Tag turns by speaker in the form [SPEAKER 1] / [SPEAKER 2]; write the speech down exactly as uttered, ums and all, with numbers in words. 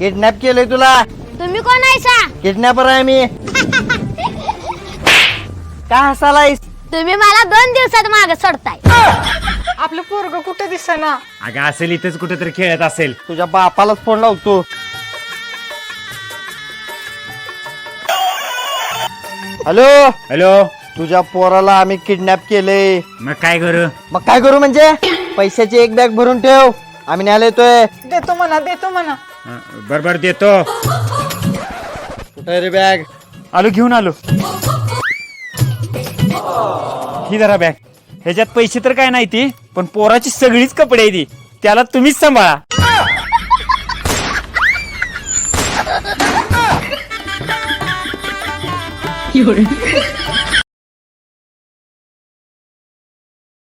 [SPEAKER 1] Kidnap केलंय तुला.
[SPEAKER 2] तुम्ही कोण आहेसा?
[SPEAKER 1] किडनॅपर आहे मी. का हसालायस?
[SPEAKER 2] तुम्ही मला दोन दिवसात मागे सोडताय.
[SPEAKER 3] आपलं पोरग कुठे दिसेना.
[SPEAKER 4] अगं असेल इथेच कुठेतरी खेळत असेल.
[SPEAKER 1] तुझ्या बापालाच फोन लावतो. Hello
[SPEAKER 4] hello.
[SPEAKER 1] तुझ्या पोराला आम्ही किडनॅप केलंय.
[SPEAKER 4] मग काय करू?
[SPEAKER 1] मग काय करू म्हणजे? पैशाची एक बॅग भरून ठेव, आम्ही न्यायला येतोय.
[SPEAKER 3] देतो म्हणा देतो म्हणा.
[SPEAKER 4] बर बर देतो.
[SPEAKER 1] कुठे रे बॅग?
[SPEAKER 4] आलो घेऊन आलो. ही जरा बॅग. ह्याच्यात पैसे तर काय नाही ती, पण पोराची सगळीच कपडे आहे ती. त्याला तुम्हीच सांभाळा.
[SPEAKER 5] 有人。